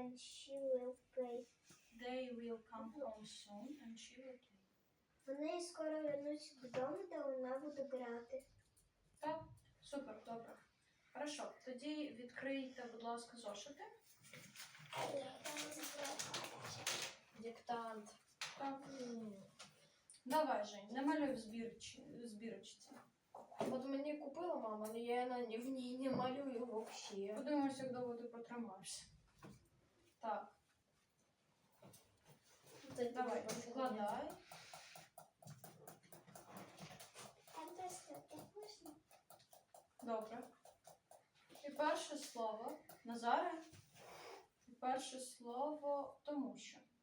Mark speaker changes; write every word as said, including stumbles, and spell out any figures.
Speaker 1: and she will play.
Speaker 2: They will come home soon and she will play.
Speaker 1: Вони скоро вернуться додому, та вона буде грати.
Speaker 2: Так, супер, добре. Хорошо, тоді відкрийте, будь ласка, зошити.
Speaker 3: Диктант.
Speaker 2: Так. Давай, Жень, намалюй в збірч- збірочці.
Speaker 3: От мені купила мама, але я на- в ній не малюю взагалі.
Speaker 2: Подивимося, як довго ти протримаєшся. Так, давай, складай.
Speaker 1: А просто так можна?
Speaker 2: Добре. І перше слово. Назаре. І перше слово тому що.